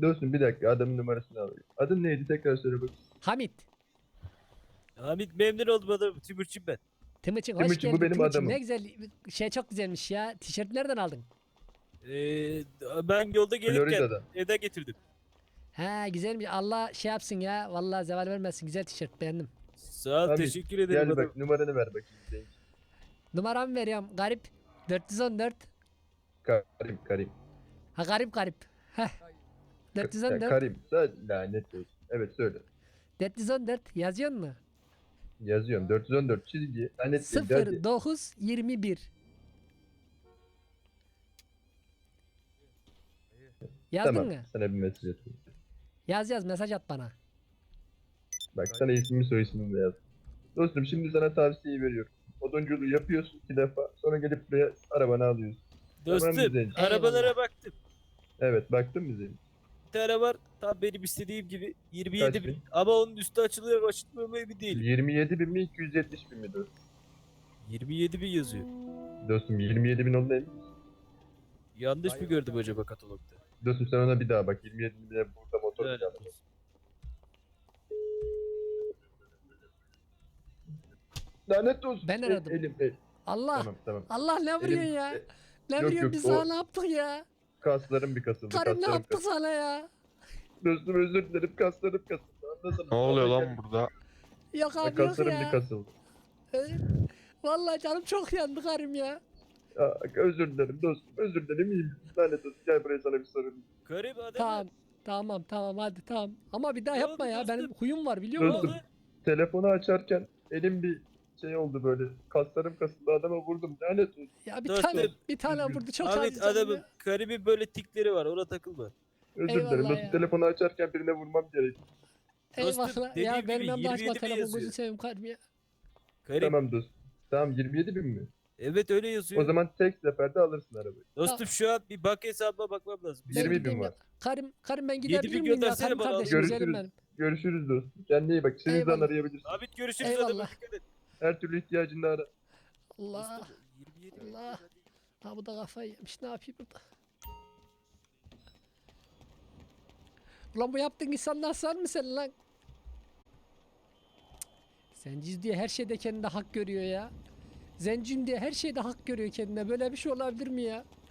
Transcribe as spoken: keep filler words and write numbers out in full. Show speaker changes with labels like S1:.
S1: Dostum bir dakika adamın numarasını alayım. Adın neydi tekrar söyle bak.
S2: Hamit.
S3: Hamit memnun oldum adamım. Timurçin ben.
S2: Timuçin hoş
S1: Timuçin, bu
S2: geldin.
S1: benim
S2: Timuçin
S1: adamım.
S2: ne güzel şey çok güzelmiş ya. Tişört nereden aldın?
S3: Ee, ben yolda gelirken
S1: Florida'dan.
S3: evden getirdim.
S2: Ha güzelmiş. Allah şey yapsın ya. Vallahi zeval vermesin. Güzel tişört beğendim.
S3: Sağ ol
S1: Hamit,
S3: teşekkür ederim
S1: Gel
S3: adamım.
S1: bak numaranı ver bakayım. Senin.
S2: Numaramı veriyorum. Garip dört yüz on dört.
S1: Karim Karim.
S2: Ha garip garip. Heh.
S1: Ya,
S2: dört yüz on dört.
S1: Karim. Sen lanet olsun. Evet söyle.
S2: dört yüz on dört yazıyor mu?
S1: Yazıyorum. dört yüz on dört çizgi. Lanet değil. Hadi.
S2: sıfır dokuz yirmi bir. Yazdın
S1: Tamam.
S2: mı?
S1: Sana bir mesaj atayım.
S2: Yaz yaz mesaj at bana.
S1: Bak sana ismimi soy ismimi de yaz. Dostum şimdi sana tavsiyeyi veriyorum. Odunculuğu yapıyorsun iki defa. Sonra gelip buraya arabanı alıyorsun.
S3: Dostum
S1: Tamam güzel.
S3: arabalara
S2: Eyvallah.
S3: baktım.
S1: Evet baktın mı Zeynep?
S3: Bir tane var tam benim istediğim gibi yirmi yedi
S1: Kaç
S3: bin.
S1: bin?
S3: Ama onun üstü açılıyor mu açılmıyor mu emin değilim.
S1: yirmi yedi bin mi iki yüz yetmiş bin mi dostum?
S3: yirmi yedi bin yazıyor.
S1: Dostum yirmi yedi bin olduğuna emin misin?
S3: Yanlış mı gördüm acaba katalogda?
S1: Dostum sen ona bir daha bak. yirmi yedi bine burada motor
S3: Evet.
S1: kiraladım. Lanet olsun.
S2: Ben
S1: El-
S2: aradım.
S1: Elim, el.
S2: Allah.
S1: Tamam tamam.
S2: Allah ne vuruyorsun
S1: Elim-
S2: ya?
S1: e,
S2: Ne
S1: yok,
S2: vuruyorsun
S1: yok,
S2: biz
S1: o-
S2: sana ne yaptık ya?
S1: Kaslarım bir kasıldı.
S2: Karım ne
S1: kaslarım
S2: yaptı
S1: kasıldı.
S2: sana ya?
S1: Dostum özür dilerim kaslarım kasıldı. Anlasana.
S4: Ne oluyor
S1: Vallahi
S4: lan burada?
S2: Yok
S1: gel-
S2: abi yok
S1: Kaslarım bir
S2: ya.
S1: kasıldı.
S2: Ee, Vallahi canım çok yandı karım ya.
S1: Aa, özür dilerim dostum. Özür dilerim iyiyim. Lanet olsun. Gel buraya sana bir sorun.
S3: Garip adam.
S2: Tamam. Tamam tamam hadi tamam. Ama bir daha
S3: Ne
S2: yapma
S3: oldu
S2: ya.
S3: dostum?
S2: Benim huyum var biliyor
S3: Ne
S2: musun?
S1: Dostum.
S3: oldu?
S1: Telefonu açarken elim bir şey oldu böyle. Kaslarım kasıldı. Adama vurdum. Lanet olsun.
S2: Ya bir
S3: Dostum.
S2: tane bir tane
S1: Üzgünüm.
S2: vurdu çok
S3: Ahmet
S2: acı canım
S3: adamın
S2: ya.
S3: garibin böyle tikleri var ona takılma.
S1: Özür
S2: Eyvallah
S1: dilerim.
S2: ya.
S1: Dostum telefonu açarken birine vurmam gerek.
S3: Dostum,
S2: Eyvallah
S3: dediğim
S2: ya
S3: gibi
S2: benim yanımda
S3: yirmi
S2: açma
S3: yedi bin
S2: telefon
S3: yazıyor.
S2: gözünü seveyim karım ya.
S3: Garip.
S1: Tamam dostum. Tamam yirmi yedi bin mi?
S3: Evet öyle yazıyor.
S1: O zaman tek seferde alırsın arabayı.
S3: Dostum şu an bir banka hesabıma bakmam lazım. Bir
S2: Ben
S1: yirmi bin
S2: gideyim
S1: var.
S2: ya. Karım karım ben
S3: Yedi bin
S2: gidebilir miyim ya?
S3: göndersene
S2: Karım
S3: bana,
S2: kardeşim
S1: Görüşürüz.
S2: güzelim benim.
S1: Görüşürüz dostum. Kendine iyi bak. İstediğin zaman
S2: Eyvallah.
S1: arayabilirsin.
S3: Ahmet görüşürüz
S2: Eyvallah.
S3: adamım dikkat et.
S1: Her türlü ihtiyacında ara.
S2: Allah.
S3: Dostum, yirmi yedi bin.
S2: Allah. Ha bu da kafayı yemiş. Ne yapayım burada? Ulan bu yaptığın insanlar sar mı sen lan? Zenciz diye her şeyde kendine hak görüyor ya. Zenciyim diye her şeyde hak görüyor kendine. Böyle bir şey olabilir mi ya?